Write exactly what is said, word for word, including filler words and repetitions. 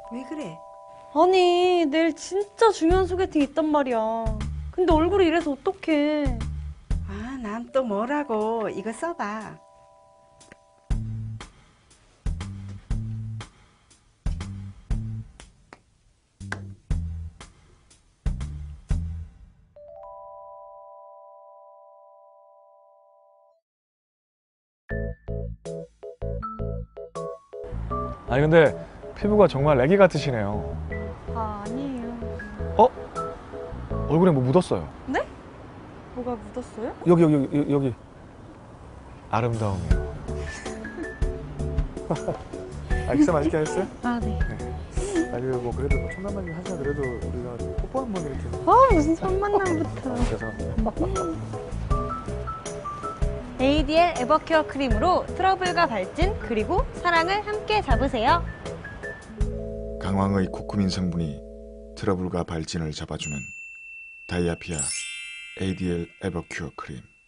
왜 그래? 아니, 내일 진짜 중요한 소개팅 있단 말이야. 근데 얼굴이 이래서 어떡해. 아, 난 또 뭐라고. 이거 써봐. 아니 근데 피부가 정말 애기 같으시네요. 아, 아니에요. 어? 얼굴에 뭐 묻었어요. 네? 뭐가 묻었어요? 여기 여기 여기, 여기. 아름다움이요. 아, 식사 맛있게 하셨어요? 아, 네. 아니 뭐 그래도 뭐 첫 만남 하시나 그래도 우리가 뽀뽀 한 번 이렇게. 아, 무슨 첫 만남부터. 아, 죄송합니다. 에이디엘 에버큐어 크림으로 트러블과 발진 그리고 사랑을 함께 잡으세요. 강황의 코쿠민 성분이 트러블과 발진을 잡아주는 다이아피아 에이디엘 에버큐어 크림.